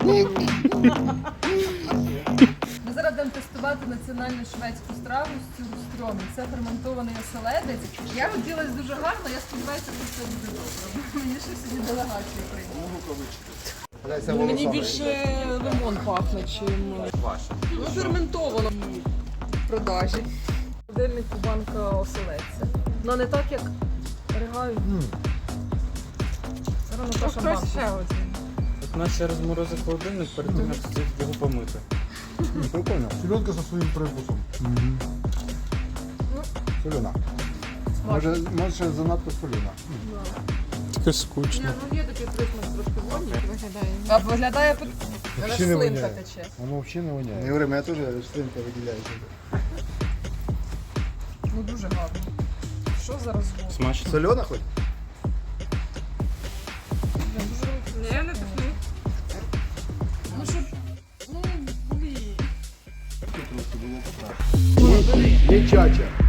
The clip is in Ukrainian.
Ми зараз будемо тестувати національну шведську страву з цюрстрьомі. Це ферментований оселедець. Я родилась дуже гарно, я сподіваюся, що все буде добре. Мені ще сьогодні делегацію прийняли. Мені більше лимон пахне, чим ну, ферментовано в продажі. В холодильнику банка оселедця. Ну не так, як ригаю. Зараз Наташа банку. Так наче розморозив холодильник перед тим, як встиг його помити. Прикольно. Селедка со своїм привкусом. Солена. Може занадто солена. Таке скучно. Ну є такий присмак трошки водні. А виглядає Взагалі не слинка воняє. тече. Воно взагалі не воняє. Не говори, мене теж слинка виділяється. Ну дуже гарно. Що зараз звук? Смачно. Солена хоч? Я не пихну. Ну щоб... Ну, блін. Не чача.